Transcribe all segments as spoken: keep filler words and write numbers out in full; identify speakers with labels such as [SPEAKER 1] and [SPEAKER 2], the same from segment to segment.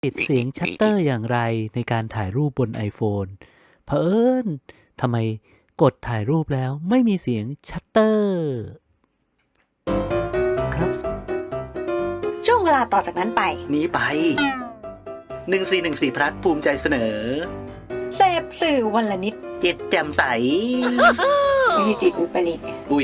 [SPEAKER 1] ปิดเสียงชัตเตอร์อย่างไรในการถ่ายรูปบน iPhone เผอิญทำไมกดถ่ายรูปแล้วไม่มีเสียงชัตเตอร์ครับ
[SPEAKER 2] ช่วงเวลาต่อจากนั้นไป
[SPEAKER 3] นี้ไปหนึ่งสี่หนึ่งสี่พลัดภูมิใจเสนอ
[SPEAKER 2] เสพสื่อวันละนิด
[SPEAKER 3] จิตแจ่มใส
[SPEAKER 2] ไม่ใช่จิตวิปริต
[SPEAKER 3] อุ้ย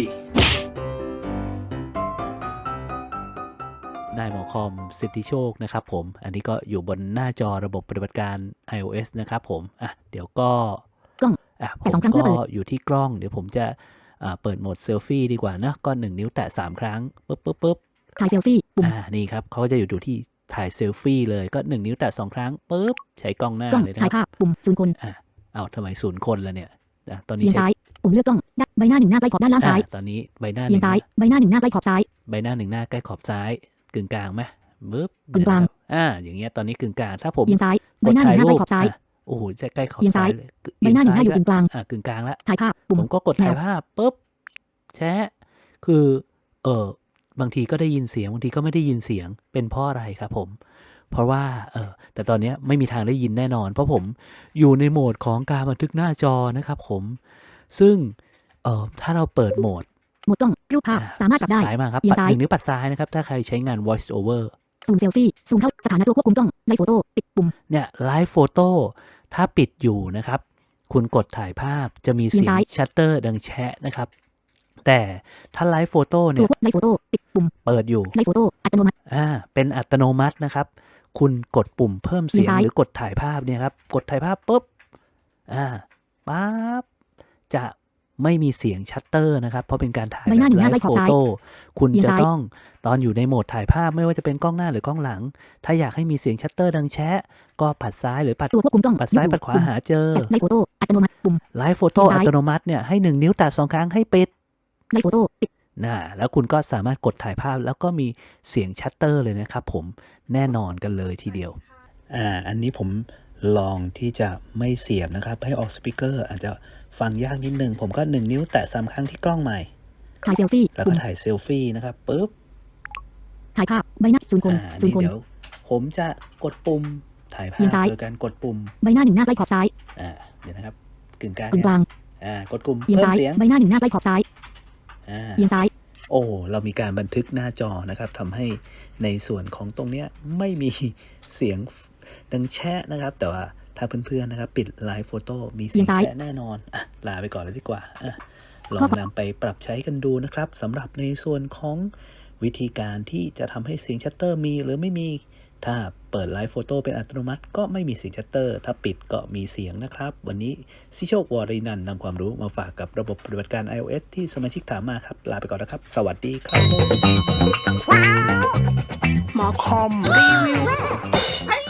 [SPEAKER 1] นายหมอคอมสิทธิโชคนะครับผมอันนี้ก็อยู่บนหน้าจอระบบปฏิบัติการ iOS นะครับผมอ่ะเดี๋ยวก็
[SPEAKER 4] กล้อง
[SPEAKER 1] อ่ะผมก็อยู่ที่กล้องเดี๋ยวผมจะอ่าเปิดโหมดเซลฟี่ดีกว่านะก็หนึ่งนิ้วแตะสามครั้งปึ๊บปึ๊บปึ๊บ
[SPEAKER 4] ถ่ายเซลฟี่ปุ่ม
[SPEAKER 1] อ่านี่ครับเขาก็จะอยู่ดูที่ถ่ายเซลฟี่เลยก็หนึ่งนิ้วแตะสองครั้งปึ๊บใช้กล้องหน้าเลยนะ
[SPEAKER 4] ถ่ายภาพปุ่มศูนย์คน
[SPEAKER 1] อ่าเอาทำไมศูนย์คนละเนี่ยนะตอนนี้
[SPEAKER 4] เอียงซ้ายปุ่มเลือกกล้องใบหน้าหนึ่งหน้าใกล้ขอบด้านล่างซ้าย
[SPEAKER 1] ตอนนี้ใบหน้า
[SPEAKER 4] เอียงซ้ายใบหน้าหนึ่งหน้าใกล้ขอบซ้าย
[SPEAKER 1] ใบหน้าหนึ่งหน้าใกล้ขอบซ้ายกึ่งกลางไหมปึ๊บ
[SPEAKER 4] กึ่งกลาง
[SPEAKER 1] อ่าอย่างเงี้ยตอนนี้กึ่งกลางถ้าผม
[SPEAKER 4] เอียงซ้ายใบหน้าหนึ่งหน้าใกล้ขอบซ้าย
[SPEAKER 1] โอ้โหจะใกล้ขอบ
[SPEAKER 4] ซ้าย
[SPEAKER 1] เลย
[SPEAKER 4] ใบหน้าหนึ่งหน้าอยู่กึ่งกลาง
[SPEAKER 1] อ่ากึ่งกลางแล้ว
[SPEAKER 4] ถ่ายภาพปุ่ม
[SPEAKER 1] ผมก็กดถ่ายภาพปุ๊บแชะคือเออบางทีก็ได้ยินเสียงบางทีก็ไม่ได้ยินเสียงเป็นเพราะอะไรครับผมเพราะว่าเออแต่ตอนนี้ไม่มีทางได้ยินแน่นอนเพราะผมอยู่ในโหมดของการบันทึกหน้าจอนะครับผมซึ่งเออถ้าเราเปิดโหมด
[SPEAKER 4] โหมดกล้องรูปภาพสามารถปรับได้
[SPEAKER 1] ซ้ายมาครับปัดหนึ่งนิ้วปัดซ้ายนะครับถ้าใครใช้งาน voice over
[SPEAKER 4] ซูมเซลฟี่ซูมเข้าสถานะตัวควบคุมกล้องไลฟ์โฟโต้ปิดปุ่ม
[SPEAKER 1] เนี่ยไลฟ์โฟโต้ถ้าปิดอยู่นะครับคุณกดถ่ายภาพจะมีเสียงชัตเตอร์ดังแชะนะครับแต่ถ้าไลฟ์โฟโต้เนี่ย
[SPEAKER 4] ไลฟ์โฟโต้ปิดปุ่ม
[SPEAKER 1] เปิดอยู่
[SPEAKER 4] ไลฟ์โฟโต้อัตโนมัติ
[SPEAKER 1] อ่าเป็นอัตโนมัตินะครับคุณกดปุ่มเพิ่มเสียงหรือกดถ่ายภาพเนี่ยครับกดถ่ายภาพปุ๊บอ่าปั๊บจะไม่มีเสียงชัตเตอร์นะครับเพราะเป็นการถ่ายแบบไลฟ์โฟโต้คุณจะต้องตอนอยู่ในโหมดถ่ายภาพไม่ว่าจะเป็นกล้องหน้าหรือกล้องหลังถ้าอยากให้มีเสียงชัตเตอร์ดังแชะก็ปัดซ้ายหรือปัด
[SPEAKER 4] ตัวควบคุมกล้อง
[SPEAKER 1] ปัดซ้ายปัดขวาหาเจอ
[SPEAKER 4] ไลฟ์โฟโต้อัตโนมัติปุ่ม
[SPEAKER 1] ไลฟ์โฟโต้อัตโนมัติเนี่ยให้หนึ่งนิ้วแตะสองครั้งให้ปิด
[SPEAKER 4] ไลฟ์โฟโต้ปิด
[SPEAKER 1] น่ะแล้วคุณก็สามารถกดถ่ายภาพแล้วก็มีเสียงชัตเตอร์เลยนะครับผมแน่นอนกันเลยทีเดียวอ่าอันนี้ผมลองที่จะไม่เสียบนะครับให้ออกสปีกเกอร์อาจจะฟังยากนิดนึงผมก็หนึ่งนิ้วแตะสามครั้งที่กล้องใหม่
[SPEAKER 4] ถ่ายเซลฟี่
[SPEAKER 1] แล้วก็ถ่ายเซลฟี่นะครับปึ๊บ
[SPEAKER 4] ถ่ายภาพใบหน้าศูนย์คนศูนย์คน
[SPEAKER 1] เดี๋ยวผมจะกดปุ่มถ่ายภาพโดยการกดปุ่ม
[SPEAKER 4] ใบหน้าหนึ่งหน้าใกล้ขอบซ้าย
[SPEAKER 1] อ่าเดี๋ยวนะครับกึ่งกลาง
[SPEAKER 4] กึ่งกลาง
[SPEAKER 1] อ่ากดปุ่ม
[SPEAKER 4] เพิ่มเสียงใบหน้าหนึ่งหน้าใกล้ขอบซ้าย
[SPEAKER 1] อ่า
[SPEAKER 4] เอียงซ้าย
[SPEAKER 1] โอ้เรามีการบันทึกหน้าจอนะครับทำให้ในส่วนของตรงเนี้ยไม่มีเสียงดังแชะนะครับแต่ว่าถ้าเพื่อนๆนะครับปิดไลฟ์โฟโต้มีเสียงแชะแน่นอนอ่ะลาไปก่อนเลยดีกว่าอ่ะลองนำไปปรับใช้กันดูนะครับสำหรับในส่วนของวิธีการที่จะทำให้เสียงชัตเตอร์มีหรือไม่มีถ้าเปิดไลฟ์โฟโต้เป็นอัตโนมัติก็ไม่มีเสียงชัตเตอร์ถ้าปิดก็มีเสียงนะครับวันนี้ซิโชควรินันท์นำความรู้มาฝากกับระบบปฏิบัติการ iOS ที่สมาชิกถามมาครับลาไปก่อนนะครับสวัสดีครับ
[SPEAKER 5] หมอคอมรีวิว